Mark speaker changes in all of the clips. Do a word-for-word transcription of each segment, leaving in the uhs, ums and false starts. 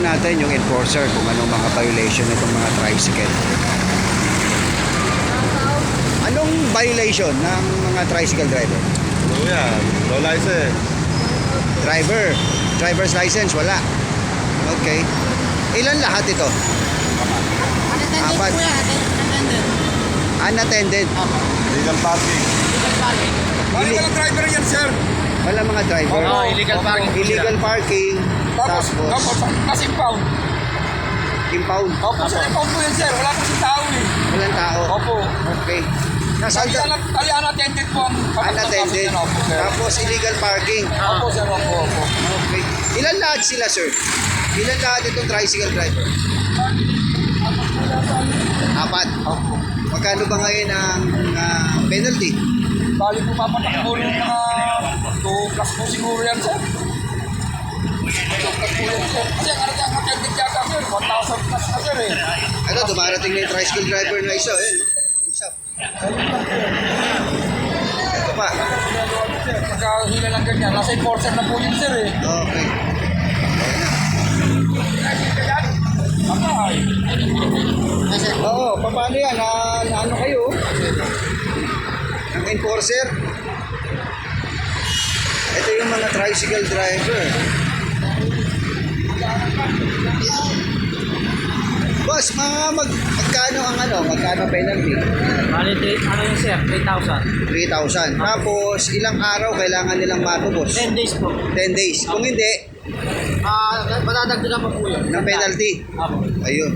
Speaker 1: natin yung enforcer kung anong mga violation nitong mga tricycle. Anong violation ng mga tricycle driver?
Speaker 2: Ano yan? Low license.
Speaker 1: Driver, driver's license, wala. Okay. Ilan lahat ito?
Speaker 3: Unattended
Speaker 1: Apat.
Speaker 3: po yan, unattended.
Speaker 1: Unattended.
Speaker 2: Legal parking.
Speaker 3: Illegal parking.
Speaker 4: Bali ka ng driver yan, sir.
Speaker 1: Wala mga driver.
Speaker 3: Oo, illegal parking po
Speaker 1: Illegal parking.
Speaker 4: Tapos,
Speaker 1: Tapos,
Speaker 4: tapos, kasi impound.
Speaker 1: impound.
Speaker 4: Opo, sir, impound po yan, sir. Wala kasi tao eh.
Speaker 1: Walang tao.
Speaker 4: Opo.
Speaker 1: Okay. Nasaan
Speaker 4: Kali,
Speaker 1: ka?
Speaker 4: anak, kali unattended po ang
Speaker 1: Unattended.
Speaker 4: Opo, sir.
Speaker 1: Tapos illegal parking.
Speaker 4: Opo, sir. Opo, opo.
Speaker 1: Okay. Ilan lahat sila, sir? Ilan lahat itong tricycle driver? Apat.
Speaker 4: Opo.
Speaker 1: Magkano ba ngayon ang ah, penalty?
Speaker 4: Bali po papatakbo rin yung mga two plus po siguro yan, sir. two plus po yan, sir. Kasi ang unattended yata, sir. one thousand plus na, sir eh.
Speaker 1: Ano, dumarating na yung tricycle driver na isa. Eh. Usap. Ito pa.
Speaker 4: Sir, pagkahila ng ganyan, nasa enforcer na po yun, sir eh.
Speaker 1: Okay.
Speaker 4: Patay.
Speaker 1: Oo, paano yan? Na, na ano kayo? Ang enforcer? Ito yung mga tricycle driver. Boss, mga mag, magkano ang ano? Magkano penalty?
Speaker 3: Bali, ano yun sir? three thousand.
Speaker 1: three thousand. Tapos, ilang araw kailangan nilang matubos?
Speaker 3: ten days po.
Speaker 1: ten days. Kung hindi,
Speaker 3: Ah, matadagdagan pa po yun.
Speaker 1: ng penalty.
Speaker 3: Apo.
Speaker 1: Ayun.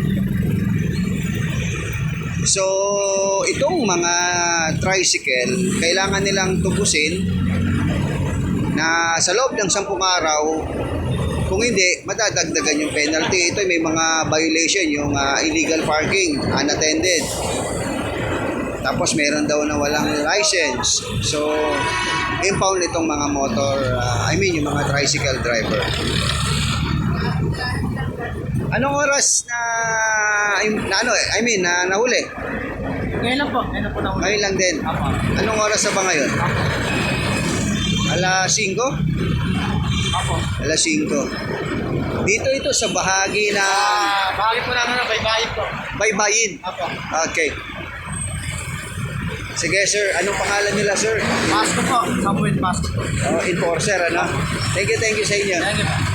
Speaker 1: So, itong mga tricycle, kailangan nilang tubusin na sa loob ng sampung araw. Kung hindi, madadagdagan yung penalty. Ito may mga violation, yung uh, illegal parking, unattended. Tapos meron daw na walang license. So, impound itong mga motor, uh, I mean yung mga tricycle driver. Anong oras na, na ano, I mean, na nahuli?
Speaker 3: Ngayon lang po. Ngayon lang po na
Speaker 1: Ngayon lang din.
Speaker 3: Apo.
Speaker 1: Anong oras na ba ngayon?
Speaker 3: Apo.
Speaker 1: Alas singko?
Speaker 3: Apo.
Speaker 1: Alas singko. Dito ito sa bahagi na
Speaker 3: Ah, bahagi po namin ng baybayin po.
Speaker 1: baybayin.
Speaker 3: Apo.
Speaker 1: Okay. Sige sir, anong pangalan nila sir?
Speaker 3: Pasko po. Samuel Pasko po.
Speaker 1: Oh, enforcer ano? Thank you, thank you sa inyo.
Speaker 3: Thank you.